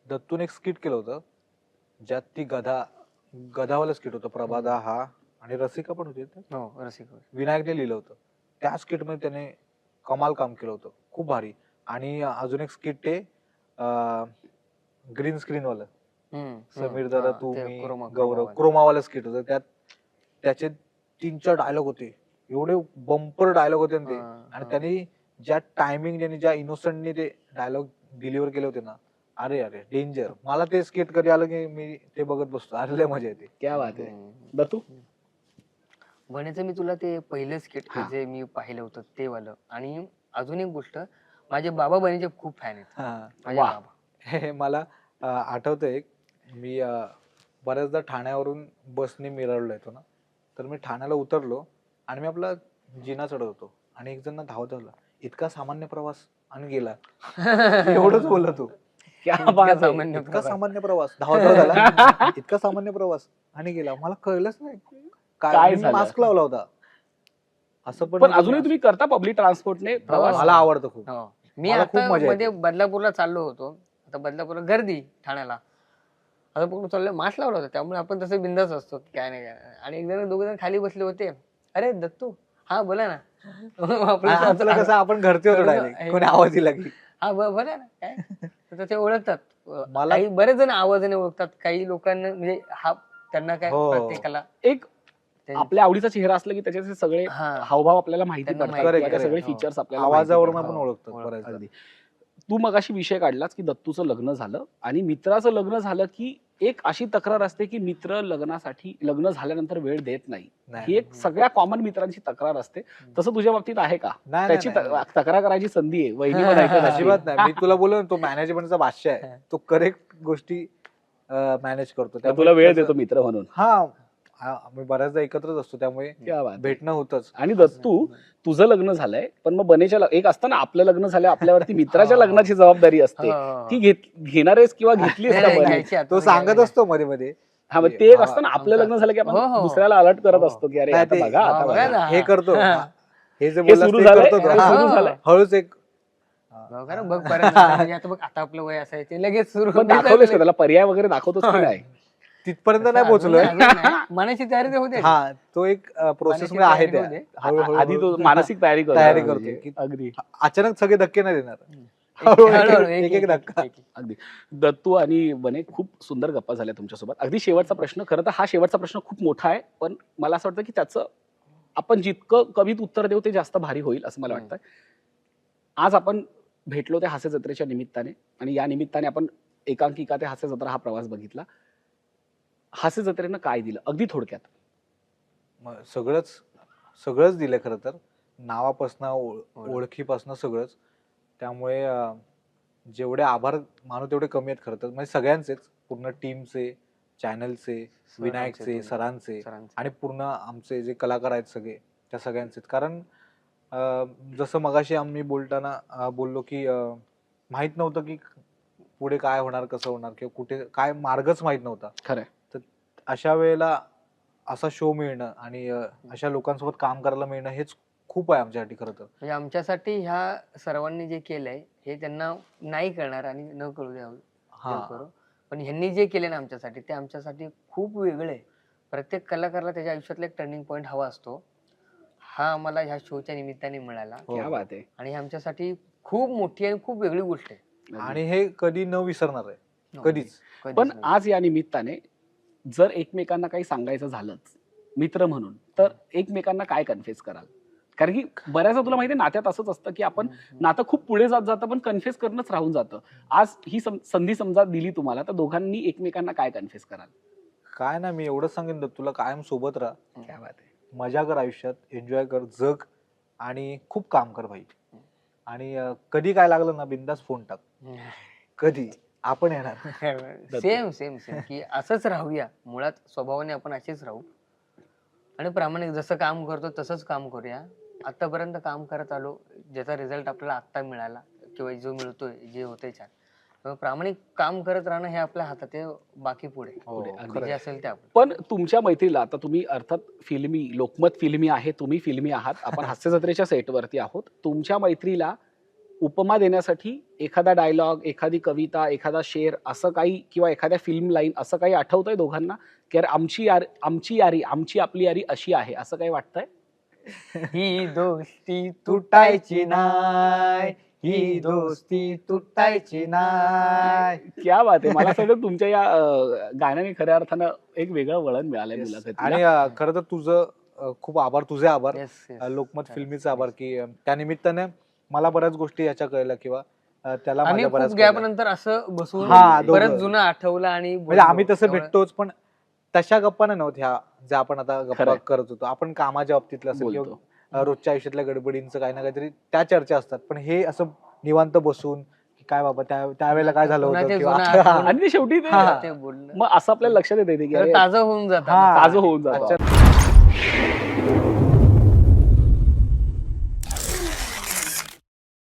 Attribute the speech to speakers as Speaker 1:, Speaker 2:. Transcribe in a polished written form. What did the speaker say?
Speaker 1: दत्तून एक स्किट केलं होतं ज्यात ती गधावाला स्किट होतं. प्रभादा हा आणि रसिका पण होती त्यात.
Speaker 2: हो रसिक
Speaker 1: विनायकने लिहिलं होतं. त्या स्किट मध्ये त्याने कमाल काम केलं होतं, खूप भारी. आणि अजून एक स्किट ते ग्रीन स्क्रीन वाला समीर दादा तू मी गौरव क्रोमावाला स्किट होतं. त्यात त्याचे 3-4 डायलॉग होते, एवढे बंपर डायलॉग होते ना ते. आणि त्यांनी ज्या टायमिंग ज्या इनोसंटने ते डायलॉग डिलिव्हर केले होते ना, अरे अरे डेंजर. मला ते स्किट कधी आलं की मी ते बघत बसतो, अरे लय मजा येते.
Speaker 3: क्या बात आहे. दत्तू
Speaker 2: बनायचं मी तुला ते पहिलं स्किट जे मी पाहिलं होतं ते वालं. आणि अजून एक गोष्ट, माझे बाबा बनीचे खूप फॅन आहेत. माझे
Speaker 3: वा.
Speaker 2: बाबा
Speaker 1: हे मला आठवतंय, मी बऱ्याचदा ठाण्यावरून बसने मिरवला येतो ना, तर मी ठाण्याला उतरलो आणि मी आपला जिना चढत होतो आणि एक जण धावत आला, इतका सामान्य प्रवास आणि गेला. एवढंच बोलला तू,
Speaker 3: क्या बात आहे.
Speaker 2: सामान्य
Speaker 1: इतका
Speaker 2: प्रकार.
Speaker 1: सामान्य प्रवास धावत झाला, इतका सामान्य प्रवास आणि गेला. मला कळलंच नाही
Speaker 3: काय
Speaker 1: काय,
Speaker 3: झालं?
Speaker 1: मास्क लावला होता. असं
Speaker 3: पण अजूनही तुम्ही करता पब्लिक ट्रान्सपोर्टने प्रवास?
Speaker 1: मला आवडतं खूप.
Speaker 2: हो. मी
Speaker 1: मला खूप
Speaker 2: आता
Speaker 1: मजा
Speaker 2: मध्ये
Speaker 1: येते.
Speaker 2: बदलापूरला चाललो होतो. आता बदलापूरला गर्दी ठाण्याला. आता पूर्ण चाललं, मास्क लावला होता, त्यामुळे आपण तसे बिंदास असतो काय नाही काय नाही. आणि एक जण 2 जण खाली बसले होते. अरे दत्तू, हा बोला ना.
Speaker 1: आपलं कसं आपण घरचे होतो डायरेक्ट, कोणी आवाज दिला की
Speaker 2: हा बोला ना काय. तर ते ओळखतात.
Speaker 1: मला-
Speaker 2: काही बरेच जण आवाजाने ओळखतात, काही लोकांना म्हणजे हा त्यांना काय
Speaker 1: हो.
Speaker 2: प्रत्येकाला
Speaker 3: एक आपल्या आवडीचा चेहरा असला की त्याचे सगळे
Speaker 2: हा.
Speaker 3: हावभाव आपल्याला माहिती
Speaker 2: त्यांना
Speaker 3: पडतात
Speaker 2: माहिती
Speaker 3: किंवा त्या
Speaker 1: आहे.
Speaker 3: सगळे
Speaker 2: हो.
Speaker 3: फीचर्स आपल्याला माहिती
Speaker 1: आवाजावरून
Speaker 3: पडतात.
Speaker 1: आपण
Speaker 2: हो.
Speaker 1: ओळखतो
Speaker 2: ओळखतो.
Speaker 1: बऱ्याचदा.
Speaker 3: अगदी. तू मगाशी विषय काढलास की दत्तूचं लग्न झालं आणि मित्राचं लग्न झालं की एक अशी तक्रार असते की मित्र लग्नासाठी लग्न झाल्यानंतर वेळ देत नाही.
Speaker 1: नाही.
Speaker 3: ही एक सगळ्या कॉमन मित्रांची तक्रार असते. तसं तुझ्या बाबतीत आहे का?
Speaker 1: नाही,
Speaker 3: त्याची
Speaker 1: नाही, नाही.
Speaker 3: तक्रार करायची संधी आहे. वहिनी पण ऐकत असतील.
Speaker 1: अजिबात नाही. मी तुला बोललो ना, तो मॅनेजमेंटचा बादशाह आहे. तो करेक्ट गोष्टी मॅनेज करतो.
Speaker 3: तर तुला वेळ देतो मित्र म्हणून.
Speaker 1: आम्ही बऱ्याचदा एकत्रच असतो, त्यामुळे
Speaker 3: क्या बात आहे.
Speaker 1: भेटणं होतच.
Speaker 3: आणि दत्तू तुझं लग्न झालंय पण मग बनेच्या एक असतं ना आपलं लग्न झालं आपल्यावरती मित्राच्या लग्नाची जबाबदारी असते. ती घेणारेस किंवा घेतलीस का बने?
Speaker 2: घ्यायची आता,
Speaker 1: तो सांगत असतो मध्ये मध्ये,
Speaker 3: हा मग ते एक असतं ना आपलं लग्न झालं की
Speaker 2: हो, हो.
Speaker 3: आपण दुसऱ्याला अलर्ट करत
Speaker 2: हो.
Speaker 3: असतो की अरे
Speaker 1: नाही
Speaker 3: आता
Speaker 1: ते-
Speaker 3: बघा आता
Speaker 2: बघा
Speaker 3: बघा.
Speaker 2: ना.
Speaker 1: हे करतो. हे जे
Speaker 3: हे
Speaker 1: बोललास
Speaker 3: सुरू
Speaker 1: ते
Speaker 3: झालंय,
Speaker 1: करतो तो.
Speaker 3: हे
Speaker 1: हा.
Speaker 3: सुरू झालंय.
Speaker 1: हळूच एक
Speaker 2: बघा ना, बघ पर्यंत म्हणजे आता बघ, आता आपलं वय असायचे लगेच सुरू
Speaker 3: पण दाखवलेस का त्याला पर्याय वगैरे दाखवतोस की नाही?
Speaker 1: तिथपर्यंत नाही पोहोचलोय.
Speaker 2: मनाची तयारी तर होते.
Speaker 1: हा, तो एक प्रोसेस मध्ये आहे त्या. हळूहळू
Speaker 3: आधी तो मानसिक तयारी करतो.
Speaker 1: तयारी
Speaker 3: म्हणजे
Speaker 1: करतो की
Speaker 3: अगदी
Speaker 1: अचानक सगळे धक्के नाही देणार.
Speaker 2: हळूहळू,
Speaker 1: एक एक धक्का.
Speaker 3: अगदी. दत्तू आणि बने खूप सुंदर गप्पा झाल्या तुमच्यासोबत. अगदी शेवटचा प्रश्न, खरं तर हा शेवटचा प्रश्न खूप मोठा आहे पण मला असं वाटतं की त्याचं आपण जितकं कवीत उत्तर देऊ ते जास्त भारी होईल असं मला वाटतं. आज आपण भेटलो त्या हास्य जत्रेच्या निमित्ताने आणि या निमित्ताने आपण एकांकिका ते हास्य जत्रा हा प्रवास बघितला. हास्य जत्रेनं काय दिलं अगदी थोडक्यात?
Speaker 1: सगळंच दिलंय खरं तर, नावापासनं ओळखीपासनं सगळंच. त्यामुळे जेवढे आभार मानू तेवढे कमी आहेत खरं तर, म्हणजे सगळ्यांचेच, पूर्ण टीमचे, चॅनलचे, विनायकचे, सरांचे आणि पूर्ण आमचे जे कलाकार आहेत सगळे, त्या सगळ्यांचेच. कारण जसं मगाशी आम्ही बोलताना बोललो की माहित नव्हतं की पुढे काय होणार, कसं होणार, किंवा कुठे काय मार्गच माहित नव्हता.
Speaker 3: खरंय.
Speaker 1: तर अशा वेळेला असा शो मिळणं आणि अशा लोकांसोबत काम करायला मिळणं हेच खूप आहे आमच्यासाठी खरं तर.
Speaker 2: म्हणजे आमच्यासाठी ह्या सर्वांनी जे केलंय हे त्यांना नाही करणार आणि न कळू द्यावं. देव करो. पण ह्यांनी जे केले ना आमच्यासाठी, ते आमच्यासाठी खूप वेगळे आहे. प्रत्येक कलाकाराला त्याच्या आयुष्यातला एक टर्निंग पॉईंट हवा असतो. हा आम्हाला ह्या शोच्या निमित्ताने मिळाला
Speaker 3: क्या बात आहे.
Speaker 2: आणि आमच्यासाठी खूप मोठी आणि खूप वेगळी गोष्ट आहे.
Speaker 1: आणि हे कधी न विसरणार आहे, कधीच.
Speaker 3: पण आज या निमित्ताने जर एकमेकांना काही सांगायचं झालंच मित्र म्हणून, तर एकमेकांना काय कन्फेस कराल? कारण की बऱ्याचदा तुला माहिती आहे नात्यात असंच असतं की आपण नातं खूप पुढे जात जातं पण कन्फेस करणंच राहून जातं. आज ही संधी समजा दिली तुम्हाला, तर दोघांनी एकमेकांना काय कन्फेस कराल?
Speaker 1: काय ना, मी एवढंच सांगेन तुला, कायम सोबत राहा,
Speaker 3: क्या बात आहे.
Speaker 1: मजा कर आयुष्यात, एन्जॉय कर, जग आणि खूप काम कर भाई. आणि कधी काय लागलं ना, बिंदास फोन टाक, कधी आपण येणार.
Speaker 2: सेम सेम सेम की असंच राहूया. मुळात स्वभावाने आपण असेच राहू आणि प्रामाणिक जसं काम करतो तसंच काम करूया. आतापर्यंत काम करत आलो, ज्याचा रिझल्ट आपल्याला आत्ता मिळाला किंवा जो मिळतोय, जे होतंय छान. त्यामुळे प्रामाणिक काम करत राहणं हे आपल्या हातात आहे, बाकी पुढे जे असेल ते आपण.
Speaker 3: पण तुमच्या मैत्रीला आता तुम्ही अर्थात फिल्मी, लोकमत फिल्मी आहे, तुम्ही फिल्मी आहात, आपण हास्य जत्रेच्या सेटवरती आहोत. तुमच्या मैत्रीला उपमा देण्यासाठी एखादा डायलॉग, एखादी कविता, एखादा शेर असं काही किंवा एखाद्या फिल्म लाईन असं काही आठवतंय दोघांना की यार आमची यारी, आमची आपली यारी अशी आहे, असं काही वाटतंय?
Speaker 2: ही दोस्ती तुटायची नाय, ही दोस्ती तुटायची नाय.
Speaker 3: क्या बात आहे. मला असं वाटतं तुमच्या या गाण्याने खऱ्या अर्थानं एक वेगळं वळण मिळालंय
Speaker 1: Yes.
Speaker 3: मुलाखतीला.
Speaker 1: आणि खरं तर तुझं खूप आभार, तुझे आभार,
Speaker 2: Yes, yes.
Speaker 1: लोकमत फिल्मीचा आभार की त्या निमित्ताने मला बऱ्याच गोष्टी याच्या कळल्या किंवा त्याला
Speaker 2: आम्ही
Speaker 1: माझ्या
Speaker 2: खूप
Speaker 1: बऱ्याच
Speaker 2: गॅप
Speaker 1: कळल्या.
Speaker 2: नंतर असं बसून
Speaker 1: हा, दोघं.
Speaker 2: परत जुनं आठवलं आणि
Speaker 1: म्हणजे आम्ही
Speaker 2: बोललो.
Speaker 1: तसं
Speaker 2: तेवढं-
Speaker 1: भेटतोच, पण तशा गप्पा नाही नव्हत्या ज्या आपण आता गप्पा
Speaker 3: खरंय.
Speaker 1: करत होतो. आपण कामाच्या बाबतीतलं असेल किंवा
Speaker 3: बोलतो.
Speaker 1: रोजच्या आयुष्यातल्या गडबडींचं काही ना काहीतरी त्या चर्चा असतात, पण हे असं निवांत बसून की काय बाबा त्यावेळेला काय झालं होतं
Speaker 2: कोणाचे
Speaker 1: किंवा
Speaker 2: जुनं आठवण-
Speaker 3: आणि ते शेवटी ते
Speaker 1: हा.
Speaker 2: ते बोलणं
Speaker 3: मग असं आपल्याला लक्षात येते की
Speaker 2: खरं
Speaker 3: अरे,
Speaker 2: ताजं होऊन जातं
Speaker 1: हा.
Speaker 3: ताजं होऊन जातं.
Speaker 1: आजच्या